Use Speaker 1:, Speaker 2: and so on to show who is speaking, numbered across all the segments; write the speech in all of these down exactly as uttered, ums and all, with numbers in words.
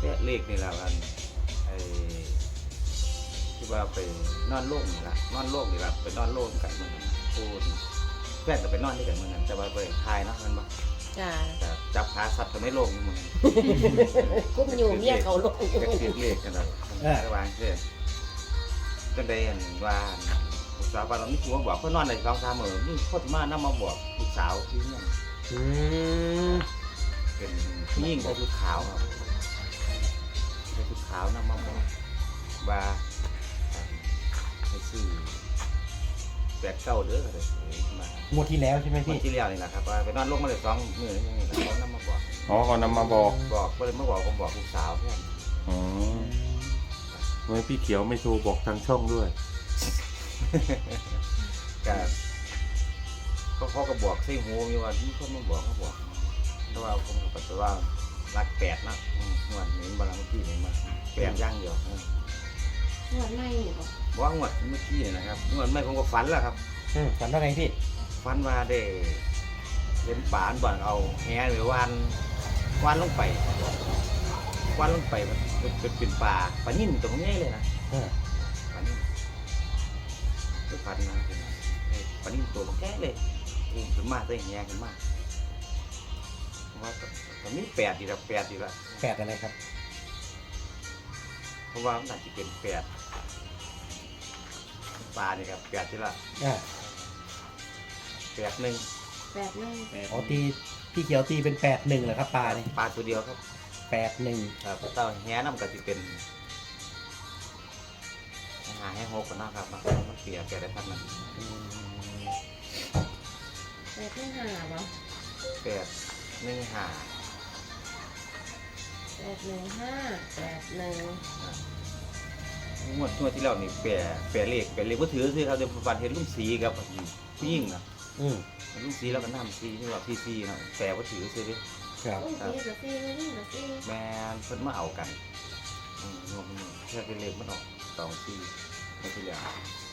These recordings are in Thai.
Speaker 1: เลขนี่แหละกันไอ้ที่ว่าไปนอนโล่งนี่ละนอนโล่งนี่ละไปนอนโล่งกันเหมือนกันพูดแฟนก็ไปนอนด้วยกันเหมือนกันแต่ว่าไปทายเนาะมันบ่
Speaker 2: จ้า
Speaker 1: แต่จับขาสัตว์ก็ไม่โล่งเหมือนกัน
Speaker 2: กุ้มอยู่เมียเขาลงอยู่
Speaker 1: ก็คิดเลขกันแล้วระวังเช่นก็ได้เห็นว่าลูกสาวบ้านเรานี่คือว่าบอกเพื่อนนอนในสองสามมื้อนี่โคตรมากน้ำมาบอกลูกสาวที่นี่
Speaker 3: อืม
Speaker 1: เป็นผู้หญิงใส่ชุดขาวครับใส่ชุดขาวนำมาบอกว่าให้ซื้อแปดเก้าเด้อเลยมาง
Speaker 3: วดที่แล้วใช่ไหม
Speaker 1: วัน
Speaker 3: พี่
Speaker 1: ที่แล้วนี่แหละครับว่าไปนอนลงมาเลยสองมื้อนี่นี่แหละเขานำมาบอก
Speaker 4: อ๋อเขานำมาบอก
Speaker 1: บอกก็เลยมาบอกผมบอกลูกสาวเพื่อน
Speaker 4: อ๋อทำไมพี่เขียวไม่โทรบอกทางช่องด้วย
Speaker 1: ก็เขาเขาก็บอกใส่หูมีว่าที่คนมาบอกเขาบอกแต่ว่าผมก็ปัจจุบันรักแปดนะอืมงวดนี้บางเมื่อกี้นี่มาแปดย่างเดียวอืม
Speaker 2: งวดไม่บ่
Speaker 1: ว่างวดเมื่อกี้นี่นะครับงวดไม่ผมก็ฝันแล้วครับ
Speaker 3: อืมฝันว่าไงพี่
Speaker 1: ฟันมาได้เห็นป่านบ่อนเอาแหหรือวานวานลงไปวานลงไปมันเป็นเป็นเป็นป่าปลานิ่มตรงนี้เลยนะ
Speaker 3: เออ
Speaker 1: ปลานิ่มก็พันนะเป็นไอ้ปลานิ่มตัวมันแก่เลยอุ้มขึ้นมาได้แหขึ้นมาว่าตอนนี้แปดดีละแปดดีละ
Speaker 3: แปดอะไรครับ
Speaker 1: เพราะว่ามันอาจจะเป็นแปดปลานี่ครับแปดดีละ
Speaker 3: อ่า
Speaker 1: แปดหนึ่ง
Speaker 2: แปดหนึ่ง
Speaker 3: อ๋อตีพี่เขียวตีเป็นแปดหนึ่งเหรอครับปลานี่
Speaker 1: ปลาตัวเดียวครับ
Speaker 3: แปดหนึ่ง
Speaker 1: ครับเต้าแหน้ำก็จะเป็นหาให้หกกันนะครับมันมันเปลี่ยนแกได้พันมัน
Speaker 2: แปดหนึ่งห้าบ่
Speaker 1: แปดหนึ่งหา
Speaker 2: แปดหนึ่งห้าแปดหนึ่ง
Speaker 1: งวดงวดที่เรานี่แปรแปรเลขแปรเลขก็ถือซื้อเขาจะฟันเห็นลุงสีกับผู้หญิงนะ
Speaker 3: อืม
Speaker 1: ลุงสีแล้วก็น้ำสีที่ว่าพี่ซีนะแปรก็ถือซื้อดิ
Speaker 3: ครับ
Speaker 2: อุ้ยสี่กับสี่นี่กับสี่
Speaker 1: แม่เพิ่นมาเอากันอืมงวดนี้แค่เป็นเลขมันออกสองสี่ไม่ที่เหลือ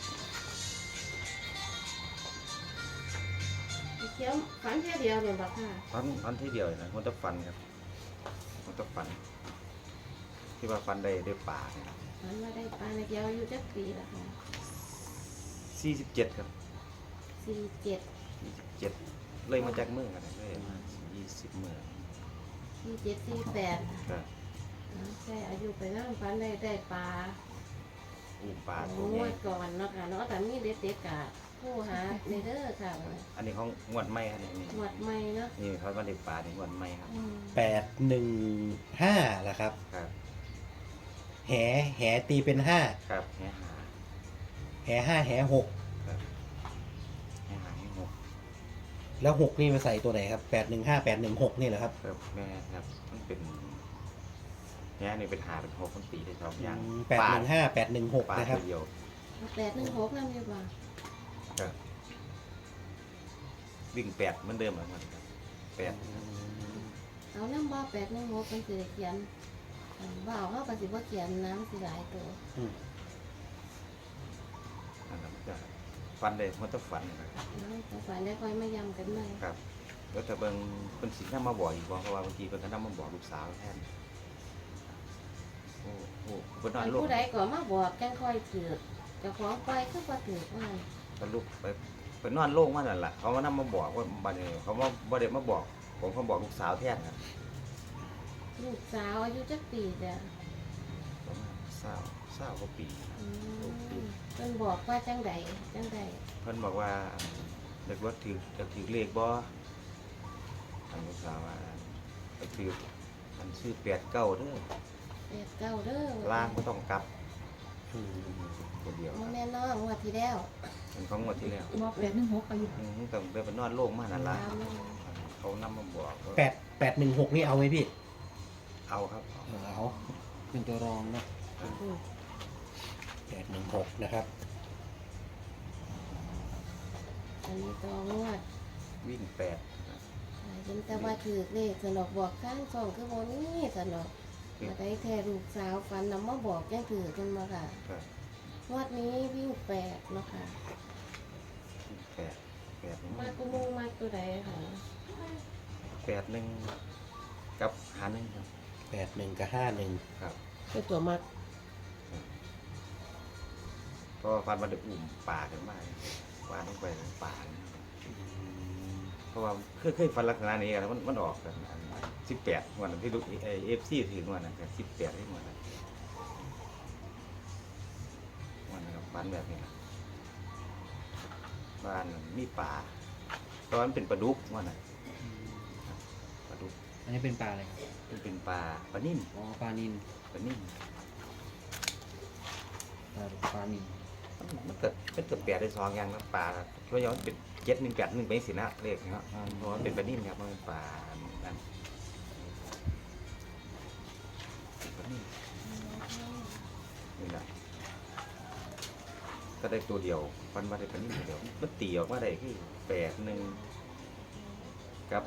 Speaker 2: เขียวฝันแค่เดียวเนี่ยบ่ค่ะ
Speaker 1: ฟันฟันที่เดียวนะมันต้องฟันครับมันต้องฟัน ที่ว่าฟันได้ได้ป่าเนี่ย
Speaker 2: ฝันว่าได้ปลาในเขียวอายุจักปีละค่ะ
Speaker 1: สี่สิบเจ็ดครับ
Speaker 2: สี่เจ็ด
Speaker 1: ยี่สิบเจ็ดเลยมาจากเมืองกันเลยมายี่สิบเมือง
Speaker 2: สี่เจ็ดสี่แปด
Speaker 1: ก็
Speaker 2: ใช่อายุไปนั่งฝันได้ได้ปลา
Speaker 1: อูป่าตั
Speaker 2: โอ้
Speaker 1: วใหญ่
Speaker 2: ยก่อนเนาะค่ะเนาะแต่มีเด็ดเด็ดกะผู้หาในเด้อค่ะ
Speaker 1: อันนี้ของงวดไม่ครับนี่
Speaker 2: หมวดใหม่เนาะ
Speaker 1: นี่เขามาได้ป่าในงวดไม่ครับ
Speaker 2: อืม
Speaker 3: แปดหนึ่งห้าเหรอครับ
Speaker 1: ครับ
Speaker 3: แหแหตีเป็นห้า
Speaker 1: ครับแหหา
Speaker 3: แหห้าแหหก
Speaker 1: ครับแหหาให้หก
Speaker 3: แล้วหกนี่มาใส่ตัวไหนครับแปดหนึ่งห้าแปดหนึ่งหกนี่เหรอครับ
Speaker 1: ครับแม่ครับมันเป็นแหนี่เป็นหาเป็นหกมันตีได้สองอย่าง
Speaker 3: แปดหนึ่งห้าแปดหนึ่งหก
Speaker 1: ป่า
Speaker 3: นะครับ
Speaker 1: ตัวเดียว
Speaker 2: แปดหนึ่งหกนั่นอยู่บ่
Speaker 1: ครับวิ่งแปดเหมือนเดิมเหมือนกันครับแปด
Speaker 2: เอาน้ำบ่แปดหนึ่งหกเป็นสิเขียนบ่เอาเขาก็สิบ่เขียนน้ำสิหลายตัว
Speaker 3: อืม
Speaker 1: อันนั้นมันจะฟันเลยมันต้องฟันนะครับ
Speaker 2: เนาะแต่ฝันได้ค่อยมายำกันใหม่
Speaker 1: ครับแล้วแต่เบิ่งเป็นสิ่งที่มาบอกอีกบอกเพราะว่าบางทีเป็นก็นำมาบอกลูกสาวแทนโอ้โหเป็นนอนลูก
Speaker 2: ผู้ใดก็มาบอกจังค่อยถือเจ้าของไปก็บ่ถือว่า
Speaker 1: เป็นลูกไปเป็นนอนโล่งมานั่นแหละเขามานำมาบอกว่าบัดนี้เขามาบ่ได้มาบอก ผมเขาบอกลูกสาวแทนครับ
Speaker 2: ลูกสาวอายุจักปีจ้ะ
Speaker 1: ประมาณเศร้าเศร้ากว่าปีครับ
Speaker 2: อืมเพิ่นบอกว่าจังใดจังใด
Speaker 1: เพิ่นบอกว่าเด็กว่าถือจะถือเลขบ่ทางลูกสาวว่าไปถือมันชื่อแปดเก้าเด้อ
Speaker 2: แปดเก้าเด้อ
Speaker 1: ล่างก็ต้องกลับ
Speaker 3: อืม
Speaker 1: ตัวเดียว
Speaker 2: โม
Speaker 1: ครับ
Speaker 2: แม่น้องงวดที่แล้ว
Speaker 1: เป็นของงวดที่แล้ว
Speaker 5: บอกแปดหนึ่งหกอายุ
Speaker 1: อืมต้องเดินไปนอนโล่งมานั่นล่ะ
Speaker 2: ตามนั้น
Speaker 1: เขานำมาบอกว่า
Speaker 3: แปดแปดหนึ่งหกนี่เอาไหมพี่
Speaker 1: เอาครับ
Speaker 3: เอาเป็นตัวรองนะ
Speaker 2: อืม
Speaker 3: แปดหนึ่งหกนะครับ
Speaker 2: อันนี้ตัวงวด
Speaker 1: วิ่งแปด
Speaker 2: เห็นแต่ว่าถือเลขสนอกบอกข้างช่องคือบ่นี้สนอกมาได้แท้ลูกสาวฝันนำมาบอกยังถือกันมาค่ะ
Speaker 1: ครับ
Speaker 2: งวดนี้วิ่งแปดเนาะค่ะ
Speaker 1: วิ่งแปดแปด
Speaker 2: มากุมงมาตัวใดค่ะ
Speaker 1: แปดหนึ่งกับหาหนึ่งครับ
Speaker 3: หแปดหนึ่งกับห้าหนึ่ง
Speaker 1: ครับ
Speaker 2: คือตัวมัก
Speaker 1: เพราะว่าฟันมันได้อุ่มป่าขึ้นมาว่าต้องไปในป่าเนี่ยเพราะว่าเคยเคยฟันลักษณะนี้กันมันมันออกกันสิบแปดวันนั้นที่ลูกเอฟซีถือวันนั้นกันสิบแปดที่วันนั้นวันนั้นกับฟันแบบนี้นะบ้านมีป่าตอนนั้นเป็นปลาดุกวันนั้นปลาดุก
Speaker 5: อันนี้เป็นปลาอะไรครับ
Speaker 1: มันเป็นปลาปลานิ่ม
Speaker 5: อ๋อปลานิน
Speaker 1: ปลานิ่ม
Speaker 5: ปลาปลานิน
Speaker 1: มันมันเกิดมันเกิดแปดได้สองอย่างนะปลาช่วยย้อนเป็นเจ็ดหนึ่งแปดหนึ่งไปสินะเลขนะครับเพราะว่าเป็นปลานิ่มครับมันเป็นปลานั่นปลานิ่มนี่นะก็ได้ตัวเดียวฟันมาได้ปลานิ่มตัวเดียวมันตีออกมาได้คือแปดหนึ่งกับ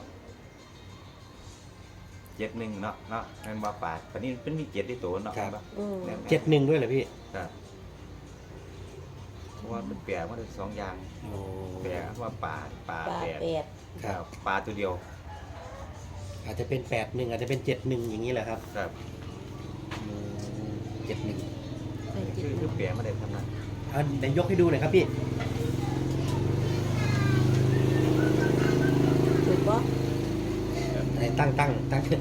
Speaker 1: เจ็ดหนึ่งเนาะเนาะนั่นว่าปลาปลานิ่มเป็นมีเจ็ดที่ตัวเนาะ
Speaker 2: อืม
Speaker 3: เจ็ดหนึ่งด้วยเหรอพี่
Speaker 1: ครับเพราะว่ามันแปลว่าได้สองอย่าง
Speaker 3: โอ้
Speaker 1: แปลว่าปลาปลา
Speaker 2: ปลา
Speaker 1: แปด
Speaker 2: แปด
Speaker 3: ครับ
Speaker 1: ปลาตัวเดียว
Speaker 3: อาจจะเป็นแปดหนึ่งอาจจะเป็นเจ็ดหนึ่งอย่างนี้แหละครับ
Speaker 1: ครับ
Speaker 3: เจ็ดหนึ่ง
Speaker 2: ใส่จิต
Speaker 1: คือคือแปลมาได้ทำนั้น
Speaker 3: อ่ะเดี๋ยวยกให้ดูหน่อยครับพี่
Speaker 2: ถูกปะ
Speaker 3: ไหนตั้งตั้งตั้งนี่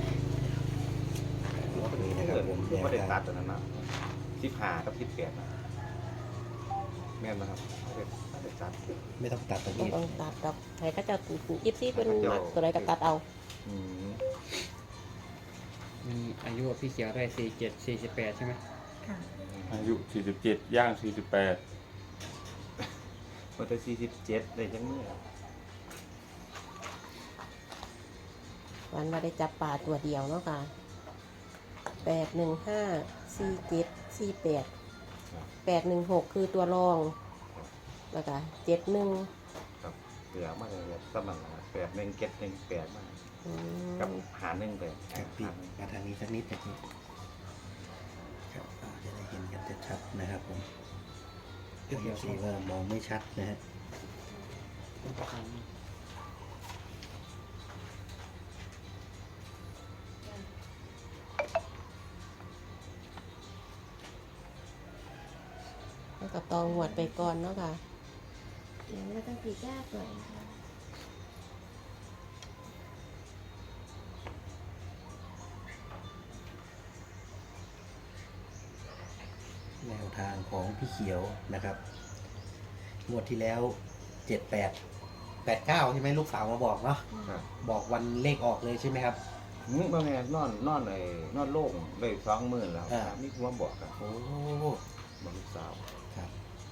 Speaker 3: นะครับผม
Speaker 1: คือ
Speaker 3: แนว
Speaker 1: ไม่ได้
Speaker 3: ทาง
Speaker 1: ตัดตัวนั้นเนาะสิบห้ากับสิบแปดนะแม่นนะครับไม่ได้ไม่ได้ตัด
Speaker 3: ไม่ต้องตัดตรง
Speaker 2: ต้อง
Speaker 3: นี้
Speaker 2: ต้องตัดกับใครก็จะยิบซี่เป็นมักตัวใดก็ตัดเอา
Speaker 1: อืม
Speaker 5: มีอายุพี่เขียวได้สี่เจ็ดสี่สิบแปดใช่ไหม
Speaker 6: ค่ะ
Speaker 4: อายุสี่สิบเจ็ดย่างสี่สิบแปด
Speaker 1: มันจะสี่สิบเจ็ดได้จังเมื่อ
Speaker 2: วันมาได้จับปลาตัวเดียวเนาะค่ะแปดหนึ่งห้าสี่เจ็ดสี่แปดแปดหนึ่งหกคือตัวรองแล้วก็เจ็ดหนึ่ง
Speaker 1: ครับเหลือมาเลยสมันแปดหนึ่งเจ็ดหนึ่งแปดมากับหาหนึ่งไป
Speaker 3: ครับพี่มาทางนี้สักนิดนะครับครับอ่าจะได้เห็นกันชัดๆนะครับผมเดี๋ยวสีว่ามองไม่ชัดนะฮะ
Speaker 2: แล้วก็ตองหวดไปก่อนเนาะค่ะเดี๋ยวเราต้องปีกยากหน่อยค่ะ
Speaker 3: แนวทางของพี่เขียวนะครับงวดที่แล้วเจ็ดแปดแปดเก้าใช่ไหมลูกสาวมาบอกเนาะ
Speaker 1: ครับ
Speaker 3: บอกวันเลขออกเลยใช่ไหมครับ
Speaker 1: มึงว่าไงนอนนอนเลยนอนโล่งเลยสองหมื่นแล้ว
Speaker 3: อ่า
Speaker 1: นี่คือว่าบอกกัน
Speaker 3: โอ้
Speaker 1: บอกลูกสาว
Speaker 3: ครับ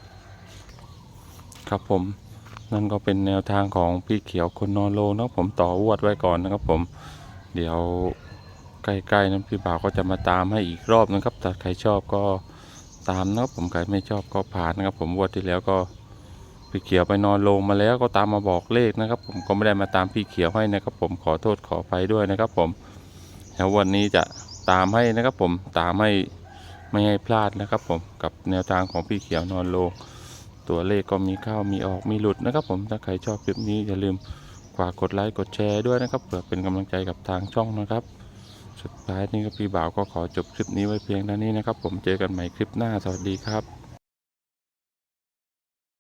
Speaker 4: ครับผมนั่นก็เป็นแนวทางของพี่เขียวคนนอนโลเนาะผมต่อวดไว้ก่อนนะครับผมเดี๋ยวใกล้ๆนั้นพี่บ่าวก็จะมาตามให้อีกรอบนะครับถ้าใครชอบก็ตามนะครับผมใครไม่ชอบก็ผ่านนะครับผมวดที่แล้วก็พี่เขียวไปนอนลงมาแล้วก็ตามมาบอกเลขนะครับผมก็ไม่ได้มาตามพี่เขียวให้นะครับผมขอโทษขออภัยด้วยนะครับผมแล้ววันนี้จะตามให้นะครับผมตามให้ไม่ให้พลาดนะครับผมกับแนวทางของพี่เขียวนอนลงตัวเลขก็มีเข้ามีออกมีหลุดนะครับผมถ้าใครชอบคลิปนี้อย่าลืมฝากกดไลค์กดแชร์ด้วยนะครับเพื่อเป็นกำลังใจกับทางช่องนะครับสุดท้ายนี้ก็พี่บ่าวก็ขอจบคลิปนี้ไว้เพียงเท่านี้นะครับผมเจอกันใหม่คลิปหน้าสวัสดีครับ